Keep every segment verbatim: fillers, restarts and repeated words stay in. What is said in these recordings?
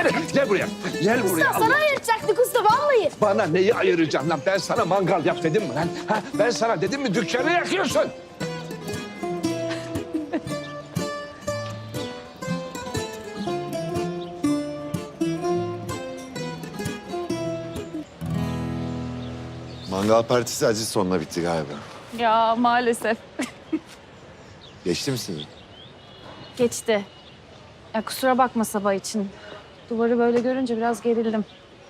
Gel, gel buraya. Gel buraya. Usta sana ayırtacaktık usta vallahi. Bana neyi ayıracağım lan? Ben sana mangal yap dedim mi lan? Ha? Ben sana dedim mi dükkanı yakıyorsun? Mangal partisi acı sonuna bitti galiba. Ya maalesef. Geçti mi sizin? Geçti. Ya kusura bakma sabah için. Duvarı böyle görünce biraz gerildim.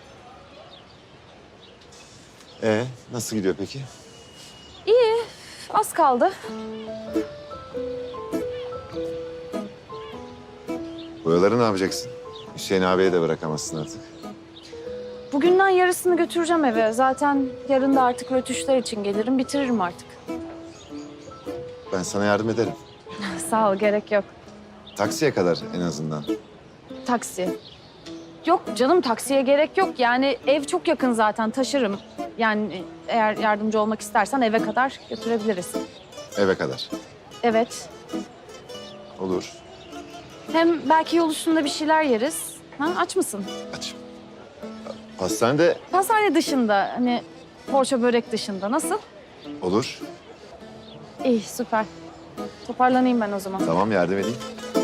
Ee, nasıl gidiyor peki? İyi, az kaldı. Boyaları ne yapacaksın? Hüseyin abiye de bırakamazsın artık. Bugünden yarısını götüreceğim eve. Zaten yarın da artık rötuşlar için gelirim, bitiririm artık. Ben sana yardım ederim. Sağ ol, gerek yok. Taksiye kadar en azından. Taksi. Yok canım, taksiye gerek yok. Yani ev çok yakın zaten, taşırım. Yani eğer yardımcı olmak istersen eve kadar götürebiliriz. Eve kadar. Evet. Olur. Hem belki yol üstünde bir şeyler yeriz. Ha, aç mısın? Aç. Pastanede Pastane dışında, hani poğaça börek dışında. Nasıl? olur. İyi, süper. Toparlanayım ben o zaman. Tamam, yardım edeyim.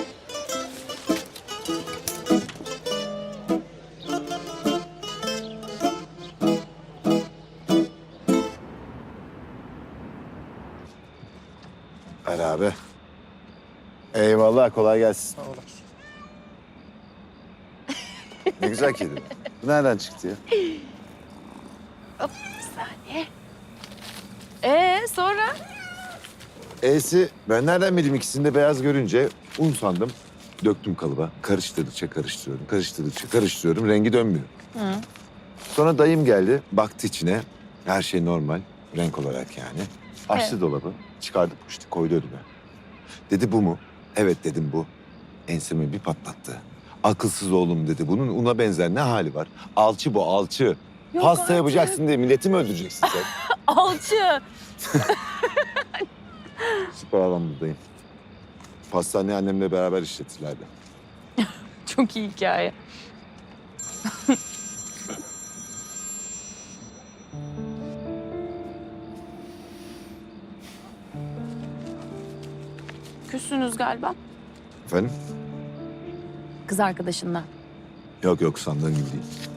Ver abi. Eyvallah, kolay gelsin. Sağ olasın. Ne güzel kedi. Bu nereden çıktı ya? Hop, bir saniye. Ee, sonra? E'si ben nereden bileyim, ikisini de beyaz görünce un sandım. Döktüm kalıba. Karıştırdıkça karıştırıyorum, karıştırdıkça karıştırıyorum. Rengi dönmüyor. Hı. Sonra dayım geldi, baktı içine. Her şey normal, renk olarak yani. Açtı Evet. dolabı, çıkardı işte, koydu önüme. Dedi bu mu? Evet dedim bu. Ensemi bir patlattı. Akılsız oğlum dedi. Bunun una benzer ne hali var? Alçı bu, alçı. Yok Pasta artık. yapacaksın diye milleti mi öldüreceksin sen? Alçı. Süper adamdı dayım. Pastaneyi annemle beraber işletirlerdi. Çok iyi hikaye. Küssünüz galiba. Efendim? Kız arkadaşınla. Yok yok, sandığın gibi değil.